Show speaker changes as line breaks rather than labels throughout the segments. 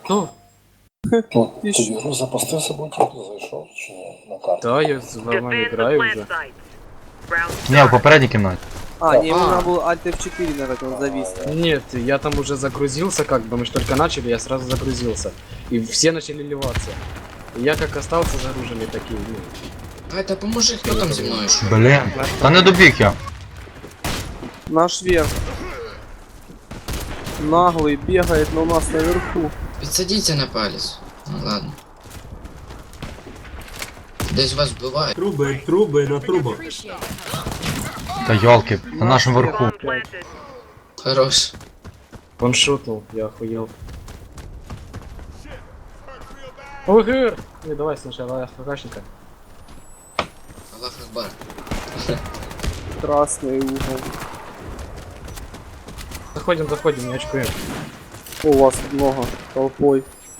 Хто?
Ну, ти ігру запустив собою, тільки зайшов чи ні на карту?
Да, я з вами граю вже.
Не, в попередній кімнаті.
А, не, ему
А.
надо было Alt F4, наверное, он завис.
Нет, я там уже загрузился, как бы мы ж только начали, я сразу загрузился. И все начали ливаться. И я как остался загруженный такие, ну.
А это поможи, хто там зі мною ще?
Блін. Та не добіг я.
Наш верх. Наглый бегает, но у нас наверху.
Підсадіться на палець. Ну ладно. Десь вас вбивають.
Труби на трубах.
Та йолки, на нашому верху.
Хорош.
Он шутнул, я охуел. ОГР! Не, давай сначала ФКшника.
Аллах Акбар.
Красный угол.
Заходим, не очкуем.
О, у вас много толпой.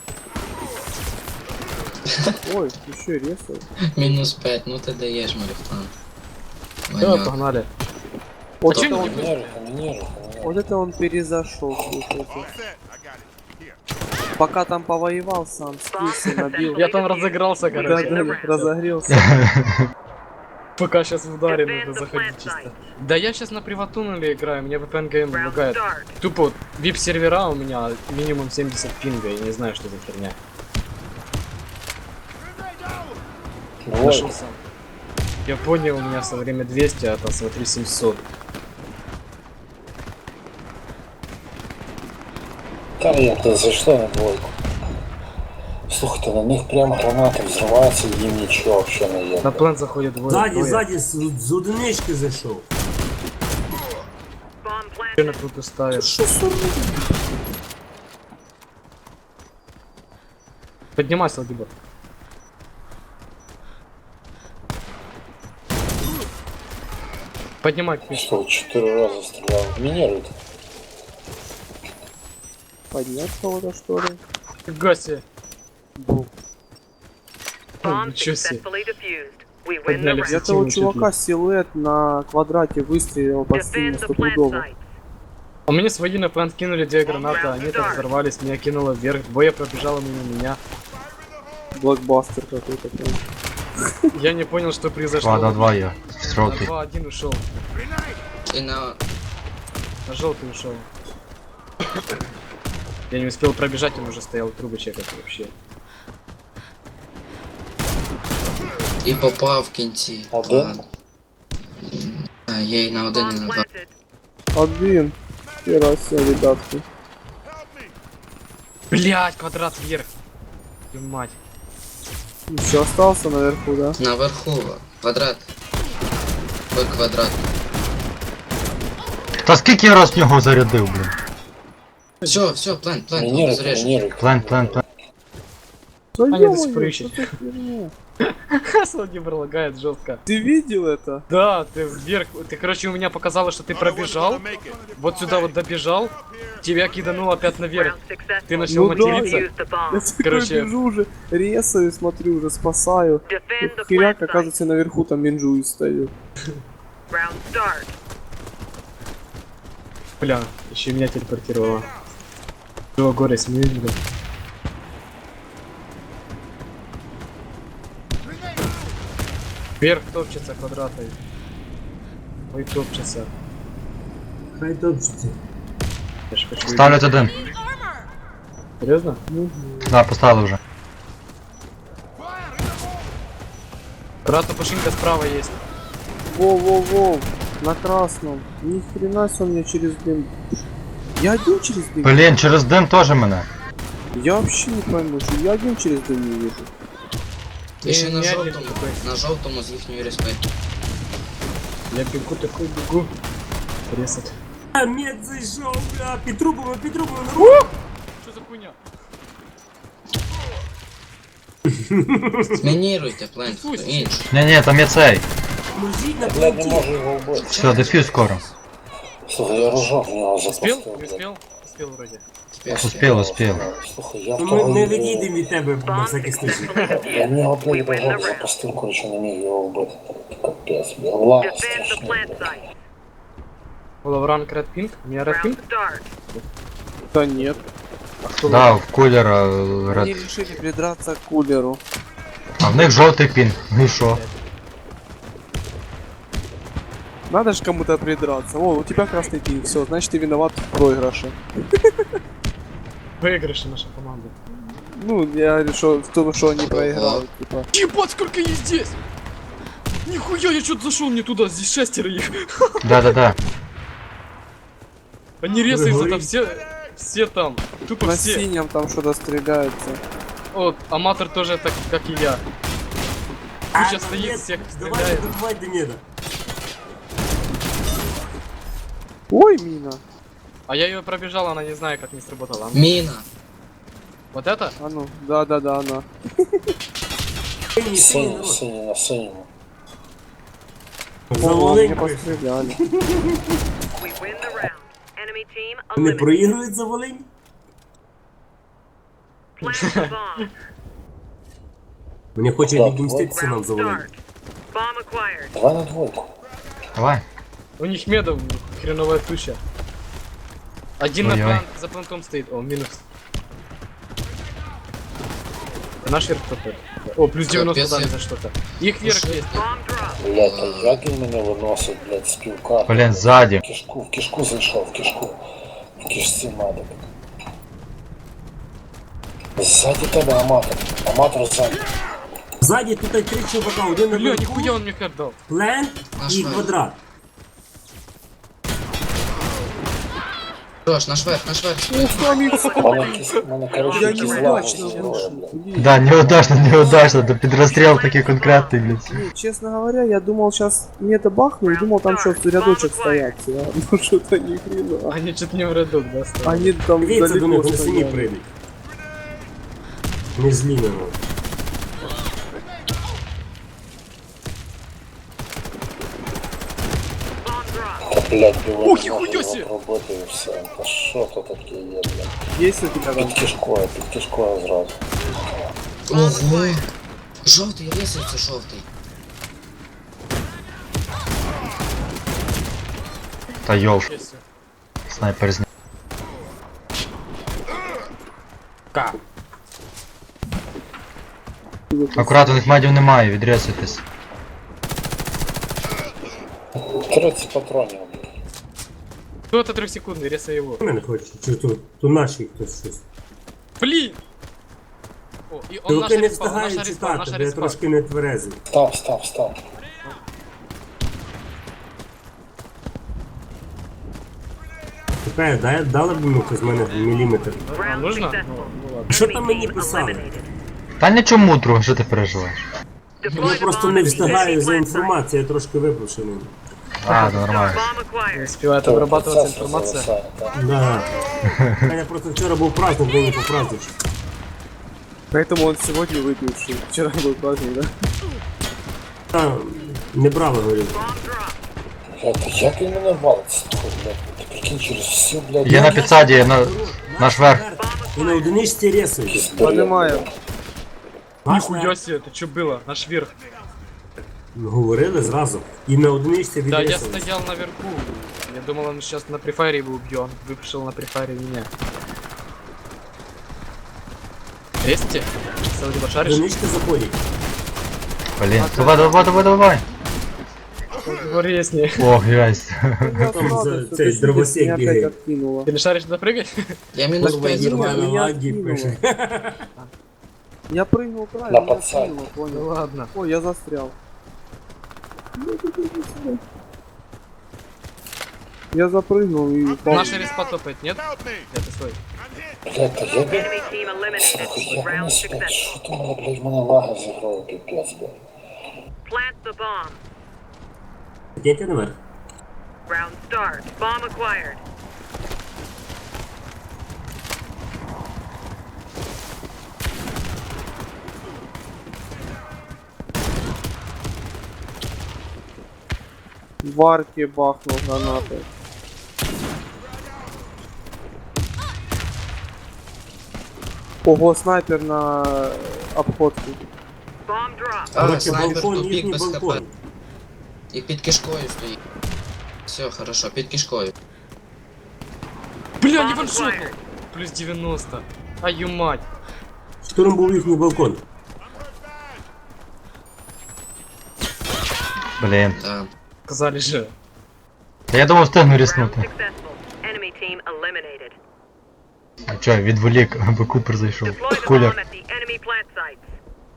Ой, еще резает.
Мінус 5, ну ти даєш, Марифан.
Да, погнали.
Вот
Зачем
это он,
Мініруй.
вот это он перезашел, слушайте. Пока там повоевал сам, скился, набил.
Я там разыгрался,
Да,
короче.
да, разогрелся.
Пока сейчас в ударе нужно заходить чисто. Да я сейчас на приватунале играю, мне VPN ГМ лагает. Тупо VIP сервера у меня минимум 70 пинга, я не знаю, что за херня. Нашел сам. Я понял, у меня со время 200, а там смотри 700.
Там як ти зайшли на двойку. Слухайте, на них прямо гранати взриваються, і їм нічого взагалі не є.
На план заходит двое.
Ззаді, з одинички зайшов.
Че на круто ставишь? Поднимайся, Ладиба. Поднимай книжку.
Що, 4 рази стріляв. Мініруйте.
Поднять кого-то, что ли?
Фига себе.
Бу.
Ничего себе. Подняли все
Где-то у
тимы чуть
чувака
ли.
силуэт на квадрате выстрелил по стене стопудово.
А мне свои на план кинули 2 гранаты, они так взорвались, меня кинуло вверх, двое пробежало мимо меня.
Блокбастер какой-то прям.
Я не понял, что произошло.
2-2 є.
На
Строки.
2-1 ушел,
І на...
на желтый ушел. Я не успел пробежать, он уже стоял трубы чекать вообще.
І попав в кінці.
Один?
Ладно. А, я і на один, і на два.
Один. Хера себе, ребятки.
Блять, квадрат вверх. Твою мать.
Еще остался наверху, да?
Наверху. Квадрат. Ой, квадрат.
Та скільки я раз в нього зарядив, блін.
Все, план,
Мініруйте,
зарежу.
мініруйте.
Плен.
Да
Аня,
ё-моё,
до сих пор ищет.
что за херня?
Владимир лагает жестко.
Ты видел это?
Да, ты вверх, ты, короче, у меня показало, что ты пробежал, вот сюда вот добежал, тебя кидануло опять наверх, ты начал
Ну да,
материться.
Я такой
Короче.
бежу уже, резаю, смотрю, уже спасаю. Тут херяк, оказывается, наверху там минжую стою.
Бля, еще меня телепортировало. Чего, горе, смеюсь, бля. Вверх топчется квадратой. Ой, топчется.
Хай топчеться.
Я ж хочу
Ставлять один.
видеть. Серьезно?
Да, поставили вже.
Брата пушинка справа есть.
Воу-воу-воу, на красном. Ни хрена себе он мне через дым. Я один через дым?
Блін, через дим теж мене.
Я вообще не пойму, что я один через дым не вижу.
І ще на
Не, не,
жовтому.
такой.
На жовтому з їхньої респекту.
Я бегу такой, бегу. Резать.
А, мед зайшов, бля, під трубами, на
Что за хуйня?
Мініруйте, план, хто інший.
Ні, там є цей.
Мужик на
Блядь, не
плоті.
можу його вбити.
Все, дефюз скоро.
Слухай, я рожок в нього
Успел?
запустив.
Не
блядь.
успел? Успел вроде.
Успів.
Слухай, я в
Ми
того
не відійдемо від тебе на всякий случай.
Я в нього, блядь, рожок запустив, коротше, не міг його вбити. Капець, блядь, лава страшний, блядь.
Лавран Red Pink? У меня Red Pink?
Да нет.
Да, в кулера
Они
ред.
решили придраться к кулеру.
А в них жовтий пін. Ну і що?
Надо же кому-то придраться. О, у тебя красный пин, все, значит ты виноват в проигрыше.
Выигрыши наша команда.
Ну, я решил в том, что они проиграют, типа.
Ебать, сколько есть здесь! Нихуя, я что-то зашел не туда, здесь 6 их.
Да-да-да.
Они резаются там
говорите?
все там. Тупо
На
все.
синем там что-то стреляется.
Вот, аматор тоже так, как и я. Куча стоит,
нет,
всех
давай
стреляет.
добивай Демеда.
Ой, мина.
А я ее пробежал, она не знаю, как не сработала.
Міна.
Вот это?
А ну, да-да-да, она.
Синій, синій народ.
Синий на синему.
О, мне
Заваленько.
постреляли.
We win the round. Enemy team
Вони
eliminated.
проігрують за Волинь?
Plant the bomb.
Мені хоче
Так,
відмститися нам
Round
за Волинь.
start. Bomb acquired.
2 на двойку.
Давай.
У них медов хреновая туча. Один на
Ой-ой.
план, за плантом стоит. О, минус. Наш верх топает. О, плюс 90
Капец,
дали
я-
за что-то. Их верх есть.
Bomb drop.
Блядь, а як він мене виносить, блядь, з півкарти?
Блін, ззаді.
В кишку зайшов, в кишку. В кишці медик. Ззаді тебе аматор. Аматор ззаді.
Ззаді тут 3 чувака, один на
Бля,
верху,
нихуя он мне хэт дал.
плент
Наш
і
верх.
квадрат.
Жош, наш верх, наш верх.
Мене, короче,
Я
якісь лаги
неудачно
зіграли,
вышел.
блядь.
Блин.
Да, неудачно, да під розстріл такий конкретний, блядь.
Не, честно говоря, я думал сейчас мне это бахнул, думал там что, рядочек стоят все. Ну что-то ни хрена.
Они чуть не в ряду, да, стоят.
Они там
Дивіться до них,
далеко
вони самі
стояли.
прийдуть. Не злі на нас.
Bomb drop.
Та, блядь, біло
Ух, ніхуя сі!
роботи і все. Та що то таке є, блядь?
Есть у тебя там?
Під кишкою зразу.
Ого. Жовтий, рисується жовтий.
Та йоу,
Есть.
снайпер зняв. Акурат, у них медів немає, відрізуйтесь.
30 патронів, блядь.
Кто это 3 секунды, резай его.
Мене хоче, чи то наші хтось щось.
Блин! О, и он наша
Ти не
респа, он
встигаєш
наша респа,
читати,
наша
бо я
респа.
трошки не тверезий.
Став.
Чекай, дали б йому хтось з мене міліметр.
А,
Round
нужно?
successful.
Ну ладно.
Що
Enemy
там мені
team
писали?
eliminated.
Та нічому, друг, що ти переживаєш?
Я
Deploy the
просто
bomb
не
to
встигаю
enemy
за
plant site.
інформацією, я трошки випрошений.
А, то нормально.
Bomb
Не
acquired.
успевает обрабатываться информация.
Да. У мене просто вчора був праздник, день по праздничку.
Поэтому он сегодня выпивший. Вчера был праздник, да?
Та не брали, говорю.
Bomb drop.
Блядь, та як він мене валить, слухай, блядь. Ти прикинь, через всю, блядь,
Є на підсаді, є на наш верх.
І на одиничці ресують.
якийсь бред,
Понимаю.
Наш
Нихуя себе, это что было? Наш верх.
говорили зразу. І на одиничці
Да, я
відресують.
стоял наверху. Я думал, он сейчас на префайре его убьет. Выпишел на префайре меня. Резьте? Саудиба, шаришь?
Одинички заходять.
Блін, давай.
Резни.
Ох, ясь.
Я
Там
сразу,
за
что
цей
ты
дровосек
меня опять
бегает.
откинула.
Ты не шаришь туда прыгать?
Я мінус
Kurwa,
5
Ірма
зробив.
на
Меня
лагі
откинуло.
пише.
Я прыгнул правильно,
На
меня
подсадку.
откинуло,
Ну
понял.
ладно.
Ой, я застрял. Я запрыгнул и упал.
Наша респа топает, нет? Это стой.
Блядь, та як він...
Enemy team eliminated.
Слухай, як
Round
вони спять?
successful.
Що то мене, блядь, в мене лаги зіграли, піпець, блядь.
Plant the bomb.
Йдете наверх?
Round start. Bomb acquired.
В арке бахнул гранатой. Ого, снайпер на обходку.
Bomb drop.
А,
Короче,
снайпер
балкон,
тупік
їхній
без хп.
балкон.
І під кишкою стоїть. Все, хорошо, під кишкою.
Бля, не ваншотнул! плюс 90. Аю мать.
Штурм був їхній балкон.
Блін.
Да.
Сказали же.
Та я думав встигну
Round
ріснути.
successful. Enemy team eliminated.
А чо, відволік, аби Купер зайшов.
Deploy the bomb
Кулер.
at the enemy plant sites.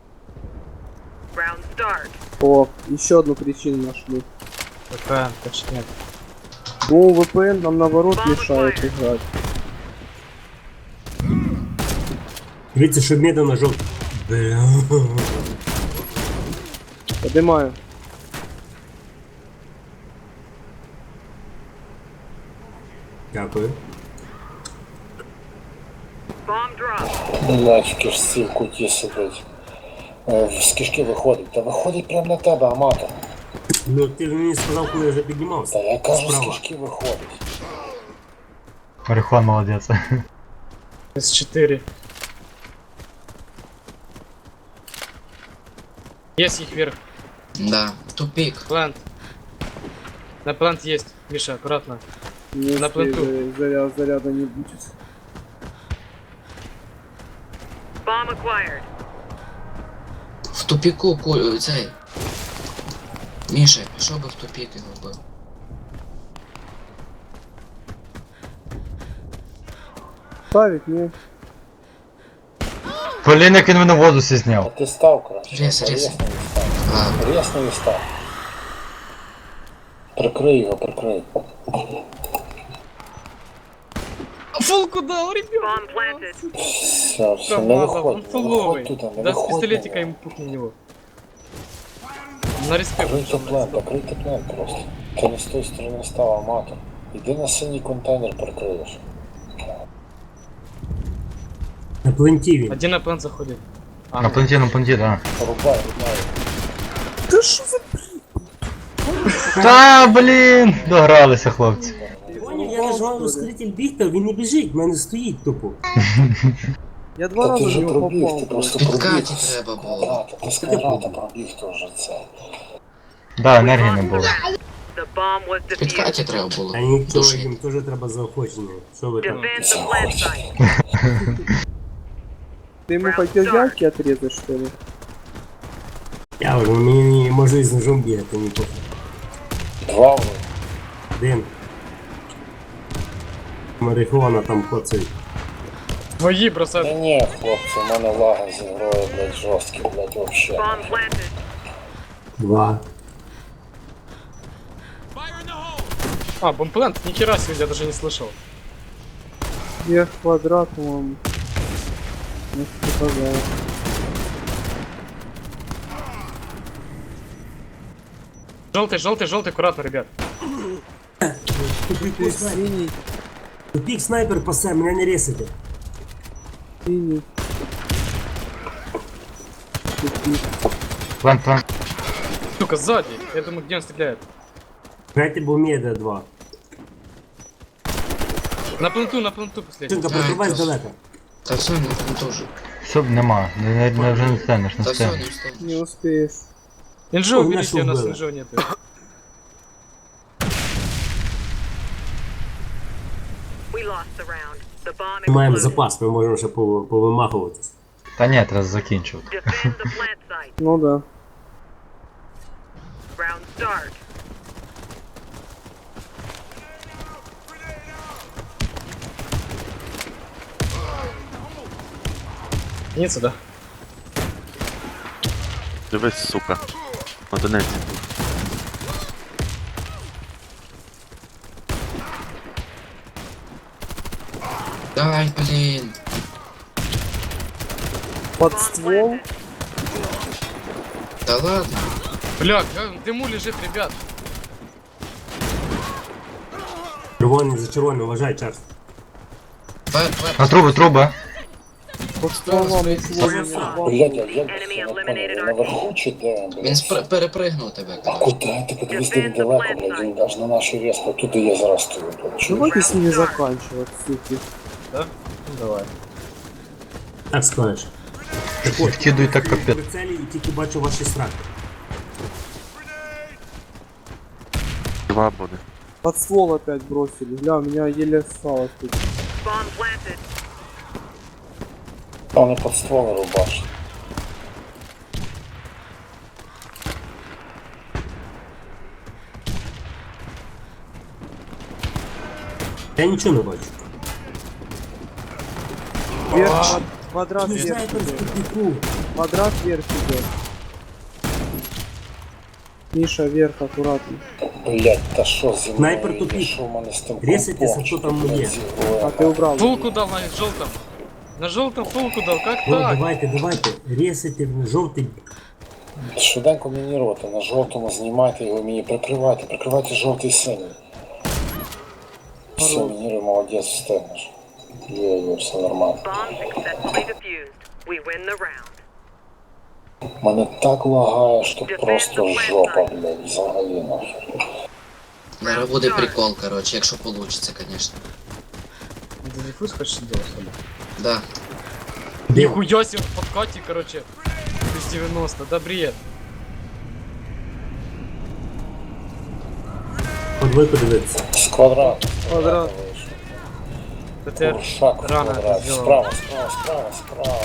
Round start.
О, еще одну причину нашли.
VPN, точнее.
Ну, VPN нам наоборот мешает играть.
Дивіться, щоб медленно жовт. Бля.
Поднимаю.
Дякую.
Bomb drop.
Блядь, в кишці в куті сидить. З кишки виходить. Та виходить прямо на тебе, аматор.
Ну ти ж мені сказав, коли я вже піднімався.
Та я кажу, з
Справа.
кишки виходить.
Марихон молодець.
С4. Есть их вверх.
Да. Тупик.
Плант. На плант есть. Миша, аккуратно.
Не
На
успею,
пленту.
заряда не будет.
Bomb acquired.
В тупіку цей. Міша, пішов би в тупік його вбив.
Ставить, не.
Блін, як він мене в воду
А
зняв.
ти став краще.
Рез,
Та
рез.
рєсний став.
А,
Рєсний став. Прикрий його, прикрий.
Фулку дал, ребят.
Bomb planted.
Все, не
Промазал, он
виходь, не
фуловый.
виходь туди, не
Да с
виходь.
пистолетика ему пухни в него. На респект.
Крийте план просто. Ти не з тої сторони став, аматор. Іди на синій контейнер прикриєш.
На пленті він.
Один на плант заходит. А,
На планті, да.
Рубай.
Да что за...
Та, блін! Догралися, хлопці.
Поняв, я нажав ускоритель бігти, він не біжить, в мене стоїть тупо.
Я два
Та ти
раза в
вже
него
пробіг,
попал.
ти просто
Підкаті
пробіг.
треба було.
Ти скарата пробіг теж це.
Да, енергії не було.
The bomb was defused.
Підкаті треба було.
А нічого,
Душить.
їм теж треба заохочення. Що ви там?
Defend the plant site.
Ты ему хотел яйки отрезать, что ли?
Я вже мені можу і з ножом бігати, не пофіг.
Два ви.
Один. Марихуана там хоцить.
твои
Та
бросают.
ні, хлопці, у мене лаги з ігрою, блядь, жорсткі, блядь, вообще.
Bomb planted.
Два.
А, бомплент? Нихера себе, я даже не слышал.
Я квадрат, по-моему. Не показал.
Желтый, аккуратно, ребят.
Ты синий,
Тупік снайпер пасе, мене не ресите.
синий.
План.
Сука, сзади. Я думаю, где он стреляет.
Грайте Бумеда 2.
На пленту последний.
Чинка, прикривай здалека.
Та все, не теж.
Все, нема. Не вже не встанеш, не
Та все,
встанеш.
не встиг.
Не успеешь.
Инжо
О,
уберите,
нашел
у нас
было.
инжо нет.
We lost the round. The bomb
Ми маємо
exploded.
запас, ми можемо ще повимахуватись.
Та ні, треба закінчив.
Defend the plant site.
Ну да.
Round start.
Нет сюда.
Дивись, сука. Одиниці.
Дай, блін.
Под ствол.
Та ладно.
Бля, в дыму лежит, ребят.
Червоний за червоним, вважай, Чарльз.
На труби.
Под стволом ствол не упал.
Блядь, я вже
Enemy
не
eliminated
понял,
our
наверху чи де,
Він
блядь?
перепригнув тебе,
А
коротше.
куди? Ти подивись, де він далеко, блядь, він аж на нашій респі, туди я зараз стою, блядь. Чого?
Давайте с ними заканчивать, суки.
Да? Ну, давай.
Так скажеш.
Вкидуй так капець.
Прицелі і тільки бачу ваші страхи.
Два буде.
Под ствол опять бросили. Бля, у меня еле осталось тут.
Bomb planted.
Вони під стволи рубашать.
Я нічого не бачу.
Вверх, квадрат
Не
вверх
снайпер з
идет.
тупіку.
Квадрат вверх идет. Миша, вверх, аккуратно.
Блять, та що зі мною?
Снайпер
є?
тупик.
Що в мене з тим
Ресайтеся,
компом?
що там
Блядь,
є.
зі грою,
А ты убрал.
Фулку дал на желтом. На желтом фулку дал, как
О,
так?
давайте. Ресайте жовтий.
Швиденько мініруйте, на жовтому знімайте його мені, прикривайте жовтий і синій. Все, мініруй, молодець, встигнеш. Є, все нормально.
Bomb successfully defused. We win the round.
Мене так лагає, що просто жопа, блядь, взагалі нахер.
Зараз буде прикол, короче, якщо получится, конечно.
Ты диффуз хочешь делать, что ли?
Да.
Нихуя себе в подкате, короче. Плюс 90, да бред.
По двойку дивитися.
З квадрату.
Квадрат.
вийшов.
Это я
Куршак в
рано
квадрат.
это сделал.
Справа.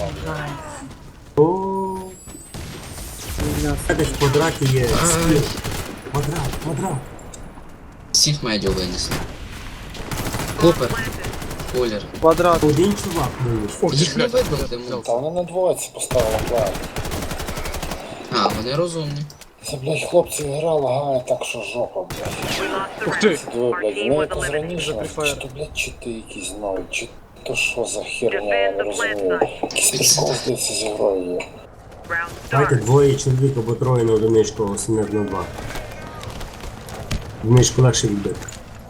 О, десь в квадраті є скіл. Квадрат.
Всіх медіа винесли. Купер. Кулер.
Квадрат.
Один чувак винес.
Ох,
Їх не
блядь,
вибили,
Та
тому.
вони на двоєці поставили план.
А, вони розумні.
Це, блядь, хлопці, гра лагає так, що жопа, блядь.
We lost the
Ух ты.
round.
Диви,
Our
блядь,
team
вони
was
якось
eliminated.
раніше,
Заприфаєр.
чи то, блядь, чити якісь нові, чи то що за херня, я не
Defend the plant
розумію.
site.
Якийсь прикол, здається, з грою є.
Round
Давайте
start.
двоє чоловік або троє на одиничку, а сім'ят на два. Одиничку легше відбити.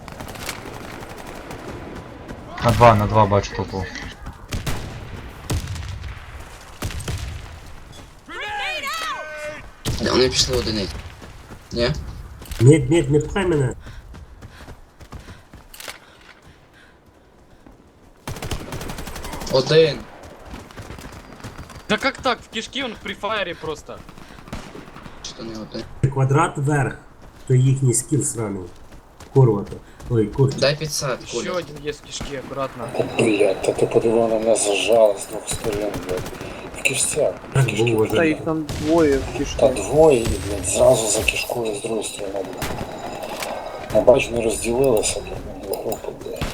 На два бачу толпу.
Да, вони пішли одиниць. Ні?
Ні, не пхай мене.
Один.
Да как так? В кишке он в префайре просто.
Чи то не один?
Квадрат вверх. То їхній скіл сраний. Курвата. Ой, курча.
Дай підсад,
Еще
Кулер.
один есть в кишке, аккуратно.
Та, блядь, та ти подиви, на мене зажали з двох сторон, блядь. В кишцях.
Так
В кишки,
було
Да
вже.
их там двое в
Та
кишке.
двоє, і, блядь, зразу за кишкою з другої сторони, блядь. Я бачу, не розділилися, блядь, на групи, блядь.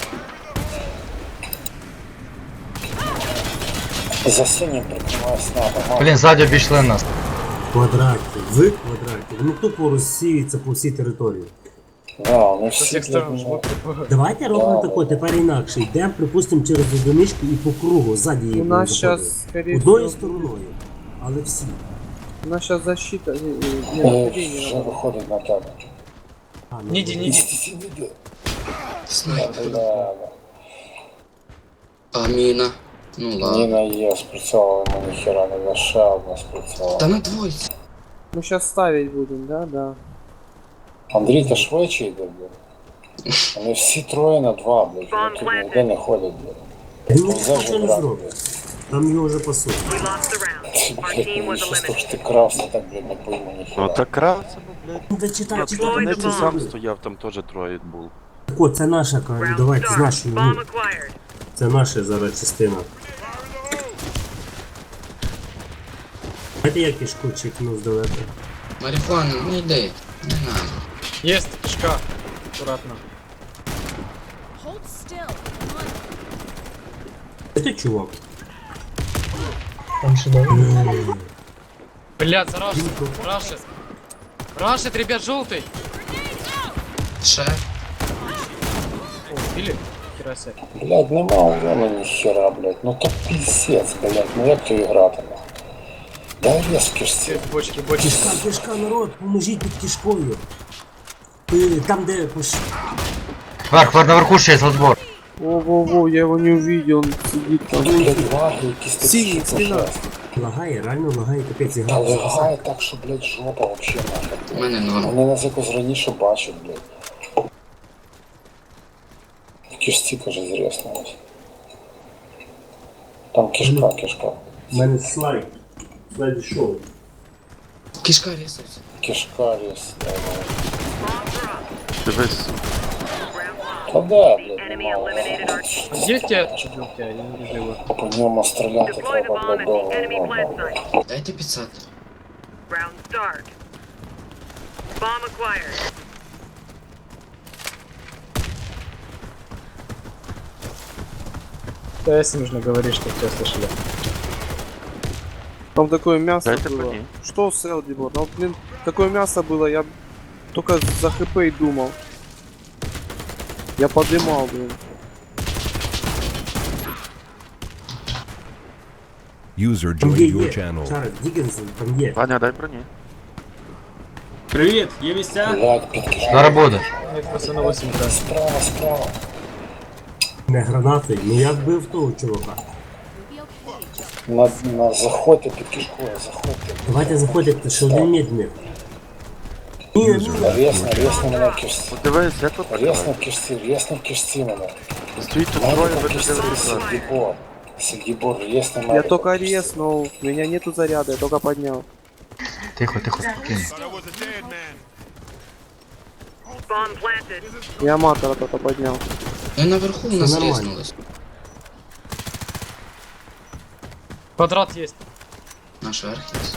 За синім прикриває снапа.
Блін, ззаді обійшли нас.
В квадраті. Вони тупо розсіюються по всій території.
Да, вони
Со
всі,
всех сторон
блядь,
жмут.
Давайте робимо
Да,
тако, тепер інакше. Йдемо, припустимо, через одиничку і по кругу, ззаді їх
У
будемо
нас
заходити.
сейчас, скорее
Одною
всего,
стороною. Але всі.
у нас сейчас защита. Не, нападение
вже
надо.
виходить на тебе.
А, ну,
Не иди, не иди.
Іди.
Снайпер.
Бля,
А міна. Ну ладно.
Ніна є, спрацьовувала, ми ніхера не на ще одна спрацьовувала.
Та на двойці.
Мы сейчас ставить будем, да? Да.
Андрій, та швидше йде, блядь. Вони всі троє на два, блядь. Вони тут ніде не ходять, блядь.
Та ні,
Це
ніхто не
брат,
зробить. Там його вже пасують.
We lost the round.
Ти,
Our
блядь,
team
мені
was
щось то, що ти
eliminated.
крався, так, блядь, не пойму ніхера.
Ну так красиво, блядь.
Ну, та читай,
Я
читай.
Deploy
не
the bomb.
сам стояв, там теж троє було.
Так от, це наша, кажу,
Round
давайте з
start.
нашою.
Bomb
Ну,
acquired.
це наша зараз частина. Знаєте, я кишку чекну здалека.
Марихуана, не йди. Не надо.
Есть кишка. Аккуратно.
Це ти, чувак?
Блядь, зарашит. Рашит. Рашит, ребят, желтый.
Ще.
О, убили? Хера себе.
Блядь, нема урона ніхера, блядь. Ну то пиздец, блядь, ну як то грати, нахуй? Дай рез в кишці.
Бочки, бочки.
Кишка, народ, поможіть під кишкою. Там, де
Наверху ще є розбор.
Во-во-во, я его не увидел, он сидит там.
Блядь, лаги якісь такі.
Синій,
що
спина.
жесть.
лагає, реально лагає, капець
Та
ігра.
лагає так, що, блядь, жопа вообще нахер.
У мене норм.
Вони нас якось раніше бачать, блядь. В кишці, каже, зріснулось. Там кишка.
У мене слайд. Слайд шоу.
Кишка рісується.
Кишка різ.
Bomb drop.
Дивись,
Round lost.
Та да, блядь,
Enemy eliminated our team.
Где тебя чудилки? Я не вижу его.
По ньому стріляти
Deploy the
треба,
bomb
блядь,
at the
довго.
enemy plant site.
Дайте 500.
Round start. Bomb acquired.
Да, если нужно говорить, что все слышали.
Там такое мясо
Дайте
было.
по ней.
Что с Элдибор? Ну, блин, такое мясо было, я только за хп и думал. Я подымал, блин.
User
Там
joined
є,
your
є.
channel.
Чарльз Діккенсен, там є.
Ваня, дай броні.
Привіт, є місця?
Блядь, підкидаю.
Зараз буде.
Нет, просто на 8 да.
Справа, справа.
Не гранати, ну я вбив того чувака.
На заходьте під кишкою, заходьте.
Давайте заходити, що один медний. Ні,
Рєсно мене в кишці.
Подивись, як тут
Рєсно в кишці мене.
стоїть тут
Мене
троє,
в
ви
кишці
не дивитеся.
Сергібор. Сергібор, рєсно мене.
Я только резнул, у меня нету заряда, я только поднял.
Тихо, тихо, спокійно.
Bomb planted.
Я матера только поднял.
Ну наверху у нас
нормально.
різнулось.
Квадрат есть.
Наш верх є.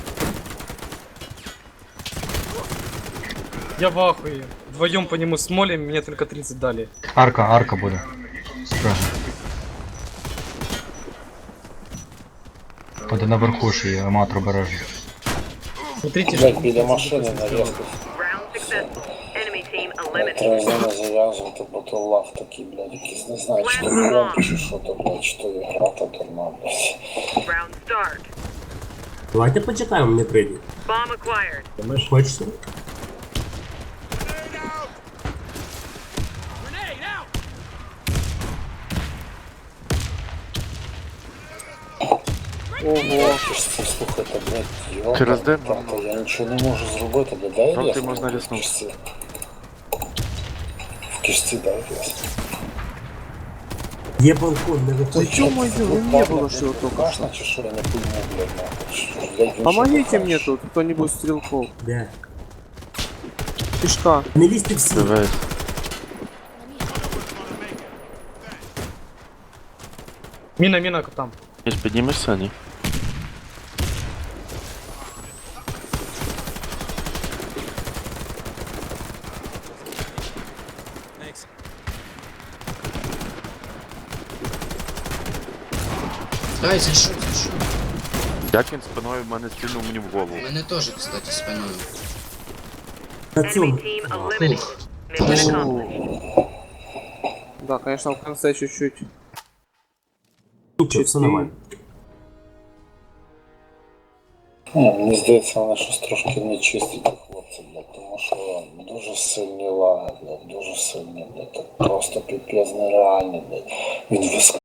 Я в ахуе. Вдвоем по нему смолим, мне только 30 дали.
Арка буде. Справа. Буде наверху ж і аматор бережно.
Смотрите,
Блядь, біля машини на різку.
Round successful. Enemy team
Треба з
eliminated.
ними зав'язувати, бо то лав такий, блядь, якийсь, не знаю, чи то комп, чи що то, блядь, чи то ігра та дурна, блядь.
Round start.
Давайте почекаємо, не прийде.
Bomb acquired.
Хочете?
Ого.
Слухайте, блядь, йоба,
Через день
брата, я нічого не можу зробити, блядь, дай
Жовтий
рез
можна
мені в
різнути.
кишці. В кишці дай рез.
Є балкон, не виходь.
ё-моё, ну не было что только
Кашна чи що, я не пойму, блядь, нахуй. Що ж, блядь, він
Помогите
що,
мне
кашна?
тут, кто-нибудь стрелков.
Де?
Кишка.
Не лізьте всі.
Дивись.
Мина там.
Між піднімешся, ні?
Ай, за що, за що?
Як він спиною в мене стрільнув мені в голову.
У мене теж, кстати, спиною.
На
Enemy
цьому.
team eliminated.
Ух.
Mission accomplished.
Да, конечно, в конце чуть-чуть.
Нічого, все нормально.
Мені здається, вона щось трошки не чистить у хлопців, блядь, тому що дуже сильні лаги, блядь, дуже сильні, блядь, так просто піпець нереальний, блядь. Він